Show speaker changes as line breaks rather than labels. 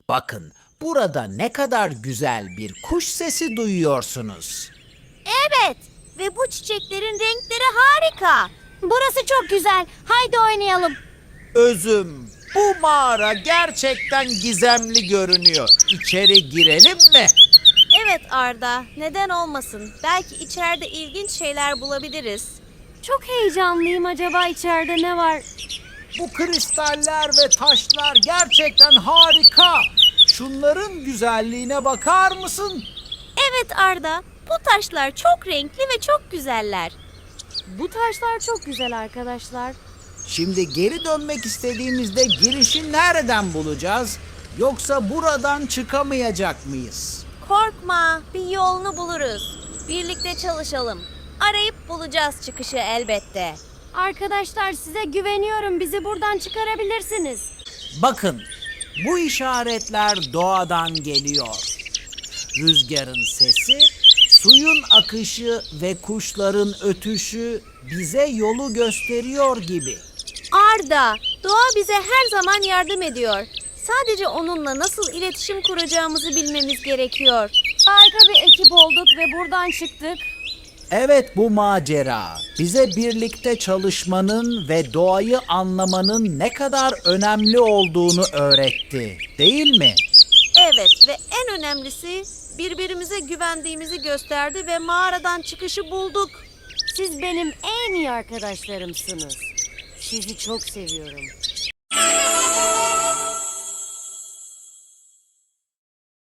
Bakın, burada ne kadar güzel bir kuş sesi duyuyorsunuz.
Evet ve bu çiçeklerin renkleri harika. Burası çok güzel. Haydi oynayalım.
Özüm, bu mağara gerçekten gizemli görünüyor. İçeri girelim mi?
Evet Arda, neden olmasın? Belki içeride ilginç şeyler bulabiliriz. Çok heyecanlıyım. Acaba içeride ne var?
Bu kristaller ve taşlar gerçekten harika. Şunların güzelliğine bakar mısın?
Evet Arda, bu taşlar çok renkli ve çok güzeller.
Bu taşlar çok güzel arkadaşlar.
Şimdi geri dönmek istediğimizde girişi nereden bulacağız? Yoksa buradan çıkamayacak mıyız?
Korkma, bir yolunu buluruz. Birlikte çalışalım. Arayıp bulacağız çıkışı elbette.
Arkadaşlar size güveniyorum. Bizi buradan çıkarabilirsiniz.
Bakın, bu işaretler doğadan geliyor. Rüzgarın sesi, suyun akışı ve kuşların ötüşü bize yolu gösteriyor gibi.
Arda, doğa bize her zaman yardım ediyor. Sadece onunla nasıl iletişim kuracağımızı bilmemiz gerekiyor.
Harika bir ekip olduk ve buradan çıktık.
Evet, bu macera bize birlikte çalışmanın ve doğayı anlamanın ne kadar önemli olduğunu öğretti, değil mi?
Evet ve en önemlisi birbirimize güvendiğimizi gösterdi ve mağaradan çıkışı bulduk.
Siz benim en iyi arkadaşlarımsınız. Sizi çok seviyorum.